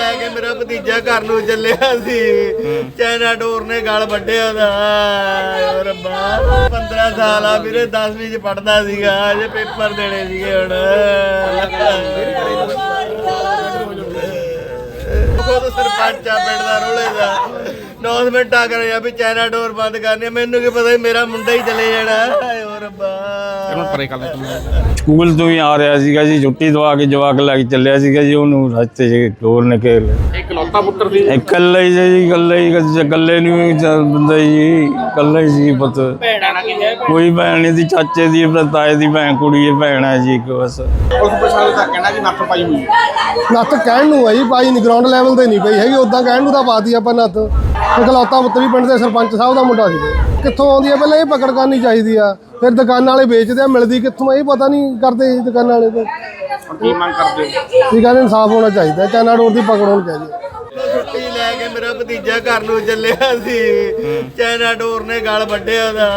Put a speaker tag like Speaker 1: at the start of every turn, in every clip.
Speaker 1: के मेरा भतीजा घर नूं चलिया सी, चाइना डोर ने गल वड्डिया दा। रब्बा 15 साल आ वीरे, 10वीं च पढ़दा सीगा, अजे पेपर देने सीगे हुण। खुद सरपंच आ पिंड दा रोले दा, अनाउंसमेंट आ कर भी चाइना डोर बंद करनी, मैनू की पता मेरा मुंडा ही चले जाना। रब्बा
Speaker 2: ਸਕੂਲ ਤੋਂ ਹੀ ਆ ਰਿਹਾ ਸੀਗਾ ਜੀ, ਛੁੱਟੀ ਦਵਾ ਕੇ ਜਵਾਕ ਲੈ ਕੇ ਚੱਲਿਆ ਸੀਗਾ ਜੀ, ਉਹਨੂੰ ਰਸਤੇ 'ਚ ਡੋਰ ਨੇ ਘੇਰ ਲਿਆ।
Speaker 3: ਇਕਲੌਤਾ ਪੁੱਤਰ ਸੀ?
Speaker 2: ਇਕੱਲਾ ਹੀ ਜੀ, ਇਕੱਲੇ ਨੂੰ ਬੰਦਾ ਜੀ, ਇਕੱਲਾ ਹੀ ਸੀ ਪੁੱਤ। ਕੋਈ ਭੈਣ ਨਹੀਂ ਸੀ, ਚਾਚੇ ਦੀ ਤਾਏ ਦੀ ਭੈਣ ਕੁੜੀ ਹੈ, ਭੈਣ ਹੈ ਜੀ ਇੱਕ ਬਸ।
Speaker 3: ਉਸ ਪ੍ਰਸ਼ਾਸਨ ਦਾ ਕਹਿਣਾ ਕਿ ਨੱਥ ਪਾਈ ਹੋਈ ਹੈ।
Speaker 4: ਨੱਥ ਕਹਿਣ ਨੂੰ ਹੈ ਜੀ, ਪਾਈ ਨਹੀਂ, ਗਰਾਊਂਡ ਲੈਵਲ ਤੇ ਨਹੀਂ ਪਈ ਹੈਗੀ, ਉੱਦਾਂ ਕਹਿਣ ਨੂੰ ਤਾਂ ਪਾਤੀ ਆਪਾਂ ਨੱਥ। ਇਕਲੌਤਾ ਪੁੱਤਰ ਵੀ ਪਿੰਡ ਦੇ ਸਰਪੰਚ ਸਾਹਿਬ ਦਾ ਮੁੰਡਾ ਸੀ। ਕਿੱਥੋਂ ਆਉਂਦੀ ਹੈ ਪਹਿਲਾਂ ਇਹ ਪਕੜ ਕਰਨੀ ਚਾਹੀਦੀ ਆ, ਫਿਰ ਦੁਕਾਨਾਂ ਵਾਲੇ ਵੇਚਦੇ ਆ, ਮਿਲਦੀ ਕਿੱਥੋਂ ਇਹ ਪਤਾ ਨਹੀਂ ਕਰਦੇ ਦੁਕਾਨਾਂ ਵਾਲੇ ਤੋਂ।
Speaker 3: ਕੀ ਮੰਗ ਕਰਦੇ ਹੋ?
Speaker 4: ਠੀਕ ਹੈ, ਇਨਸਾਫ ਹੋਣਾ ਚਾਹੀਦਾ, ਚਾਈਨਾ ਡੋਰ ਦੀ ਪਕੜ ਹੋਣੀ ਚਾਹੀਦੀ।
Speaker 1: ਛੁੱਟੀ ਲੈ ਕੇ ਮੇਰਾ ਭਤੀਜਾ ਘਰ ਨੂੰ ਚੱਲਿਆ ਸੀ, ਚਾਈਨਾ ਡੋਰ ਨੇ ਗਲ ਵੱਢਿਆ ਦਾ।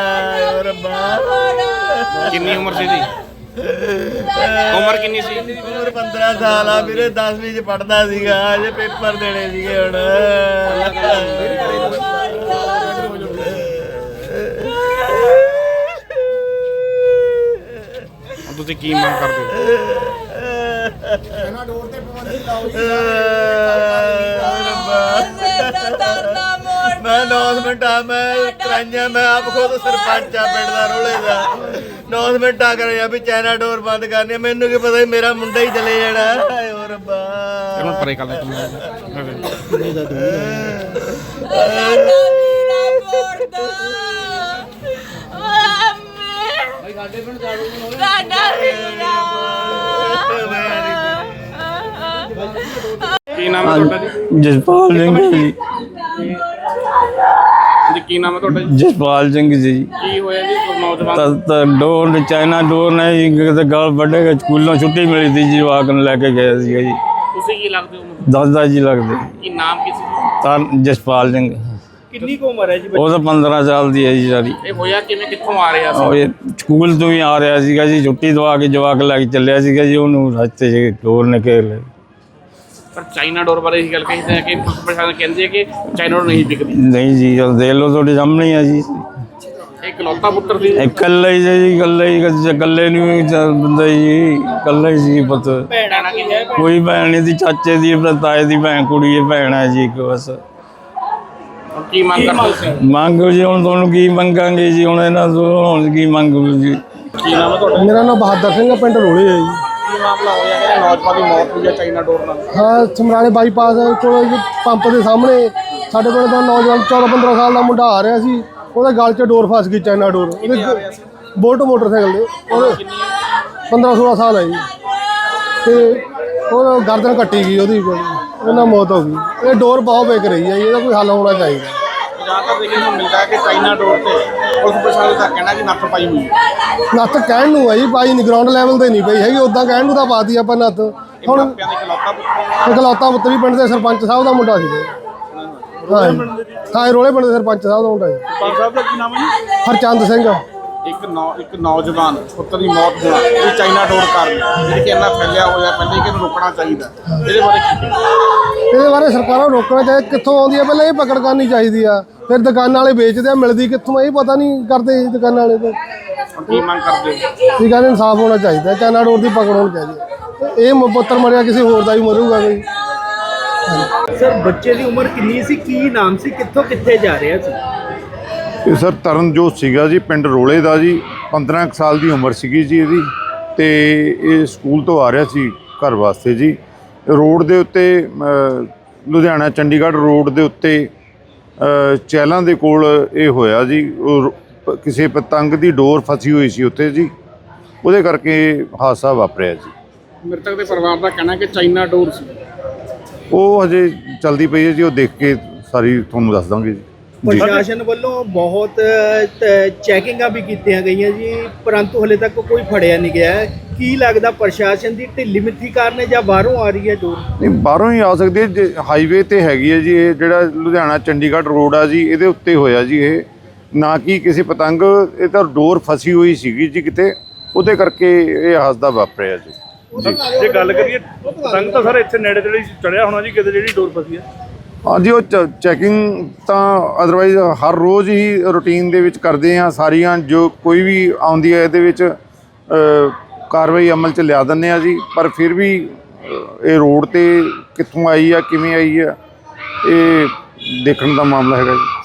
Speaker 1: ਰੱਬਾ
Speaker 3: ਕਿੰਨੀ ਉਮਰ ਸੀ ਦੀ? ਉਮਰ ਕਿੰਨੀ ਸੀ?
Speaker 1: ਉਮਰ 15 ਸਾਲ ਆ ਵੀਰੇ, 10वीं ਚ ਪੜਦਾ ਸੀਗਾ, ਅਜੇ ਪੇਪਰ ਦੇਣੇ ਸੀਗੇ ਹੁਣ।
Speaker 3: ਤੁਸੀਂ ਕੀ ਮੰਗ ਕਰਦੇ ਹੋ?
Speaker 4: ਚਾਈਨਾ ਡੋਰ ਤੇ ਪਾਬੰਦੀ ਲਾਓ ਜੀ।
Speaker 1: मैं अनाउंसमेंट आ मैं कराइया, मैं आप खुद सरपंच आ पिंड दा रोले दा, अनाउंसमेंट आ कर भी चाइना डोर बंद करनी, मैनू की पता मेरा मुंडा ही चले जाना। रब्बा
Speaker 3: ਪਰੇ ਕਰ ਲੈ ਕੀ ਨਾਮ ਹੈ ਤੁਹਾਡਾ ਜੀ?
Speaker 2: ਜਸਪਾਲ ਸਿੰਘ ਜੀ।
Speaker 3: ਜੀ ਕੀ ਨਾਮ ਹੈ ਤੁਹਾਡਾ ਜੀ?
Speaker 2: ਜਸਪਾਲ ਸਿੰਘ ਜੀ।
Speaker 3: ਕੀ ਹੋਇਆ ਜੀ ਨੌਜਵਾਨ?
Speaker 2: ਤਾਂ ਡੋਰ ਨੇ, ਚਾਈਨਾ ਡੋਰ ਨੇ ਜੀ ਕਿਤੇ ਗਲ ਵੱਢੇ, ਸਕੂਲੋਂ ਛੁੱਟੀ ਮਿਲੀ ਸੀ ਜੀ, ਜਵਾਕ ਨੂੰ ਲੈ ਕੇ ਗਿਆ ਸੀਗਾ ਜੀ।
Speaker 3: ਤੁਸੀਂ ਕੀ ਲੱਗਦੇ ਹੋ?
Speaker 2: ਦਾਦਾ ਜੀ ਲੱਗਦੇ।
Speaker 3: ਕੀ ਨਾਮ ਕੀ ਸੀ?
Speaker 2: ਤਾਂ ਜਸਪਾਲ ਸਿੰਘ।
Speaker 3: ਕਿੰਨੀ ਕੁ ਉਮਰ ਹੈ ਜੀ?
Speaker 2: ਉਹ ਤਾਂ 15 ਸਾਲ ਦੀ ਹੈ ਜੀ ਸਾਰੀ।
Speaker 3: ਇਹ ਹੋਇਆ ਕਿਵੇਂ, ਕਿੱਥੋਂ ਆ ਰਿਹਾ
Speaker 2: ਉਹ
Speaker 3: ਸੀ?
Speaker 2: ਇਹ ਸਕੂਲ ਤੋਂ ਹੀ ਆ ਰਿਹਾ ਸੀਗਾ ਜੀ, ਛੁੱਟੀ ਦਵਾ ਕੇ ਜਵਾਕ ਲੈ ਕੇ ਚੱਲਿਆ ਸੀਗਾ ਜੀ, ਉਹਨੂੰ ਰਸਤੇ 'ਚ ਡੋਰ ਨੇ ਘੇਰ ਲਿਆ।
Speaker 3: ਪਰ ਚਾਈਨਾ ਡੋਰ ਬਾਰੇ ਇਹ ਗੱਲ ਕਹੀ ਹੈ ਕਿ ਪ੍ਰਸ਼ਾਸਨ ਕਹਿੰਦੇ ਕਿ ਚਾਈਨਾ ਡੋਰ ਨਹੀਂ ਵਿਕਦੀ।
Speaker 2: ਨਹੀਂ ਜੀ, ਦੇਖ ਲਓ ਤੁਹਾਡੇ ਸਾਹਮਣੇ ਹੀ ਆ ਜੀ।
Speaker 3: ਇਕਲੌਤਾ ਪੁੱਤਰ ਸੀ?
Speaker 2: ਇਕੱਲਾ ਹੀ ਜੀ, ਇਕੱਲੇ ਨੂੰ ਬੰਦਾ ਜੀ, ਇਕੱਲਾ ਹੀ ਸੀ ਪੁੱਤ।
Speaker 3: ਭੈਣਾਂ ਕੀ ਹੈ?
Speaker 2: ਕੋਈ ਭੈਣ ਨਹੀਂ ਸੀ, ਚਾਚੇ ਦੀ ਤਾਏ ਦੀ ਭੈਣ ਕੁੜੀ ਹੈ, ਭੈਣ ਹੈ ਜੀ ਇੱਕ ਬਸ।
Speaker 3: ਕੀ ਮੰਗ ਕਰਦੇ ਤੁਸੀਂ?
Speaker 2: ਮੰਗ ਜੀ ਹੁਣ ਤੁਹਾਨੂੰ ਕੀ ਮੰਗਾਂਗੇ ਜੀ, ਹੁਣ ਇਹਨਾਂ ਤੋਂ ਹੁਣ ਕੀ ਮੰਗੋ ਜੀ।
Speaker 3: ਕੀ ਨਾਮ ਹੈ ਤੁਹਾਡਾ?
Speaker 4: ਮੇਰਾ ਨਾਮ ਬਹਾਦਰ ਸਿੰਘ, ਪਿੰਡ ਰੋਲੇ ਹੈ ਜੀ।
Speaker 3: ਕੀ ਮਾਮਲਾ ਹੋਇਆ ਕਿ ਨੌਜਵਾਨ ਦੀ ਮੌਤ ਹੋਈ ਹੈ ਚਾਈਨਾ ਡੋਰ ਨਾਲ?
Speaker 4: ਹਾਂ, ਸਮਰਾਲੇ ਬਾਈਪਾਸ ਕੋਲ ਪੰਪ ਦੇ ਸਾਹਮਣੇ ਸਾਡੇ ਪਿੰਡ ਦਾ ਨੌਜਵਾਨ 14-15 ਸਾਲ ਦਾ ਮੁੰਡਾ ਆ ਰਿਹਾ ਸੀ, ਉਹਦੇ ਗਲ 'ਚ ਡੋਰ ਫਸ ਗਈ, ਚਾਈਨਾ ਡੋਰ। ਉਹਦੇ ਬੋਲਟ ਮੋਟਰਸਾਈਕਲ ਦੇ, ਉਹਦੇ 15-16 ਸਾਲ ਹੈ ਜੀ, ਤੇ ਉਹ ਗਰਦਨ ਕੱਟੀ ਗਈ ਉਹਦੀ, ਉਹਨਾਂ ਮੌਤ ਹੋ ਗਈ। ਇਹ ਡੋਰ ਬਹੁਤ ਵਿਕ ਰਹੀ ਹੈ ਜੀ, ਇਹਦਾ ਕੋਈ ਹੱਲ ਹੋਣਾ ਚਾਹੀਦਾ।
Speaker 3: ਜ਼ਿਆਦਾਤਰ ਦੇਖਣ ਨੂੰ ਮਿਲਦਾ ਹੈ ਕਿ ਚਾਈਨਾ ਡੋਰ ਤੇ ਉਸ ਪ੍ਰਸ਼ਾਸਨ ਦਾ ਕਹਿਣਾ ਕਿ ਨੱਥ ਪਾਈ ਹੋਈ ਹੈ।
Speaker 4: ਨੱਥ ਕਹਿਣ ਨੂੰ ਹੈ ਜੀ, ਪਾਈ ਨਹੀਂ, ਗਰਾਊਂਡ ਲੈਵਲ ਤੇ ਨਹੀਂ ਪਈ ਹੈਗੀ, ਉੱਦਾਂ ਕਹਿਣ ਨੂੰ ਤਾਂ ਪਾਤੀ ਆਪਾਂ ਨੱਥ। ਹੁਣ
Speaker 3: ਮਾਪਿਆਂ ਦੇ ਇਕਲੌਤਾ ਪੁੱਤਰ?
Speaker 4: ਇਕਲੌਤਾ ਪੁੱਤਰ ਵੀ ਪਿੰਡ ਦੇ ਸਰਪੰਚ ਸਾਹਿਬ ਦਾ ਮੁੰਡਾ ਸੀ। ਹਾਂ, ਰੋਲੇ ਪਿੰਡ ਦੇ ਸਰਪੰਚ ਸਾਹਿਬ ਦਾ ਮੁੰਡਾ ਜੀ।
Speaker 3: ਸਰਪੰਚ ਸਾਹਿਬ ਦਾ ਕੀ ਨਾਮ ਹੈ ਜੀ?
Speaker 4: ਹਰਚੰਦ ਸਿੰਘ।
Speaker 3: ਇੱਕ ਨੌਜਵਾਨ ਪੁੱਤਰ ਦੀ ਮੌਤ ਹੋਣਾ ਇਹ ਚਾਈਨਾ ਡੋਰ ਕਾਰਨ, ਜਿਹੜੀ ਕਿ ਇੰਨਾ ਫੈਲਿਆ ਹੋਇਆ, ਪਹਿਲੇ ਕਿ ਇਹਨੂੰ ਰੋਕਣਾ ਚਾਹੀਦਾ। ਇਹਦੇ ਬਾਰੇ ਕੀ ਕਹੋਗੇ?
Speaker 4: ਇਹਦੇ ਬਾਰੇ ਸਰਕਾਰਾਂ ਨੂੰ ਰੋਕਣਾ ਚਾਹੀਦਾ, ਕਿੱਥੋਂ ਆਉਂਦੀ ਹੈ ਪਹਿਲਾਂ ਇਹ ਪਕੜ ਕਰਨੀ ਚਾਹੀਦੀ ਆ, ਫਿਰ ਦੁਕਾਨਾਂ ਵਾਲੇ ਵੇਚਦੇ ਆ, ਮਿਲਦੀ ਕਿੱਥੋਂ ਇਹ ਪਤਾ ਨਹੀਂ ਕਰਦੇ ਦੁਕਾਨਾਂ ਵਾਲੇ ਤੋਂ।
Speaker 3: ਕੀ ਮੰਗ ਕਰਦੇ ਹੋ?
Speaker 4: ਠੀਕ ਹੈ, ਇਨਸਾਫ ਹੋਣਾ ਚਾਹੀਦਾ, ਚਾਈਨਾ ਡੋਰ ਦੀ ਪਕੜ ਹੋਣੀ ਚਾਹੀਦੀ। ਇਹ ਪੁੱਤਰ ਮਰਿਆ, ਕਿਸੇ ਹੋਰ ਦਾ ਵੀ ਮਰੂਗਾ ਕੋਈ।
Speaker 5: ਸਰ, ਬੱਚੇ ਦੀ ਉਮਰ ਕਿੰਨੀ ਸੀ, ਕੀ ਨਾਮ ਸੀ, ਕਿੱਥੋਂ ਕਿੱਥੇ ਜਾ ਰਿਹਾ ਸੀ?
Speaker 6: ਇਹ ਸਰ ਤਰਨਜੋਤ ਸੀਗਾ ਜੀ, ਪਿੰਡ ਰੋਲੇ ਦਾ ਜੀ। 15 ਕੁ ਸਾਲ ਦੀ ਉਮਰ ਸੀਗੀ ਜੀ ਇਹਦੀ, ਤੇ ਇਹ ਸਕੂਲ ਤੋਂ ਆ ਰਿਹਾ ਸੀ ਘਰ ਵਾਸਤੇ ਜੀ। ਰੋਡ ਦੇ ਉੱਤੇ ਲੁਧਿਆਣਾ ਚੰਡੀਗੜ੍ਹ ਰੋਡ ਦੇ ਉੱਤੇ ਚਹਿਲਾਂ ਦੇ ਕੋਲ ਇਹ ਹੋਇਆ ਜੀ। ਕਿਸੇ ਪਤੰਗ ਦੀ ਡੋਰ ਫਸੀ ਹੋਈ ਸੀ ਉੱਥੇ ਜੀ, ਉਹਦੇ ਕਰਕੇ ਹਾਦਸਾ ਵਾਪਰਿਆ ਜੀ।
Speaker 3: ਮ੍ਰਿਤਕ ਦੇ ਪਰਿਵਾਰ ਦਾ ਕਹਿਣਾ ਕਿ ਚਾਈਨਾ ਡੋਰ ਸੀ।
Speaker 6: ਉਹ ਹਜੇ ਚਲਦੀ ਪਈ ਹੈ ਜੀ, ਉਹ ਦੇਖ ਕੇ ਸਾਰੀ ਤੁਹਾਨੂੰ ਦੱਸ ਦਾਂਗੇ ਜੀ।
Speaker 5: ਪ੍ਰਸ਼ਾਸਨ ਵੱਲੋਂ ਬਹੁਤ ਚੈਕਿੰਗਾਂ ਵੀ ਕੀਤੀਆਂ ਗਈਆਂ ਜੀ, ਪਰੰਤੂ ਹਲੇ ਤੱਕ ਕੋਈ ਫੜਿਆ ਨਹੀਂ ਗਿਆ। ਕੀ ਲੱਗਦਾ ਪ੍ਰਸ਼ਾਸਨ ਦੀ ਢਿੱਲੀ ਮਿੱਠੀ ਕਾਰਨ ਜਾਂ ਬਾਹਰੋਂ ਆ ਰਹੀ ਹੈ ਡੋਰ?
Speaker 6: ਨਹੀਂ, ਬਾਹਰੋਂ ਹੀ ਆ ਸਕਦੀ ਹੈ। ਹਾਈਵੇ ਤੇ ਹੈਗੀ ਹੈ ਜੀ ਇਹ, ਜਿਹੜਾ ਲੁਧਿਆਣਾ ਚੰਡੀਗੜ੍ਹ ਰੋਡ ਆ ਜੀ, ਇਹਦੇ ਉੱਤੇ ਹੋਇਆ ਜੀ ਇਹ, ਨਾ ਕਿ ਕਿਸੇ ਪਤੰਗ। ਇਹ ਤਾਂ ਡੋਰ ਫਸੀ ਹੋਈ ਸੀਗੀ ਜੀ ਕਿਤੇ, ਉਹਦੇ ਕਰਕੇ ਇਹ ਹਾਦਸਾ ਵਾਪਰਿਆ ਜੀ।
Speaker 7: ਜੇ ਗੱਲ ਕਰੀਏ ਪਤੰਗ ਤਾਂ ਸਰ ਇੱਥੇ ਨੇੜੇ ਤੇੜੇ ਚੜਿਆ ਹੋਣਾ ਜੀ ਕਿਤੇ ਜਿਹੜੀ ਡੋਰ ਫਸੀ ਹੈ।
Speaker 6: ਹਾਂਜੀ ਉਹ ਚੈਕਿੰਗ ਤਾਂ ਅਦਰਵਾਈਜ਼ ਹਰ ਰੋਜ਼ ਹੀ ਰੂਟੀਨ ਦੇ ਵਿੱਚ ਕਰਦੇ ਆ ਸਾਰੀਆਂ ਜੋ ਕੋਈ ਵੀ ਆਉਂਦੀ ਹੈ ਇਹਦੇ ਵਿੱਚ ਕਾਰਵਾਈ ਅਮਲ 'ਚ ਲਿਆ ਦਿੰਦੇ ਆ ਜੀ। ਪਰ ਫਿਰ ਵੀ ਇਹ ਰੋਡ ਤੇ ਕਿੱਥੋਂ ਆਈ ਆ ਕਿਵੇਂ ਆਈ ਆ ਇਹ ਦੇਖਣ ਦਾ ਮਾਮਲਾ ਹੈਗਾ ਜੀ।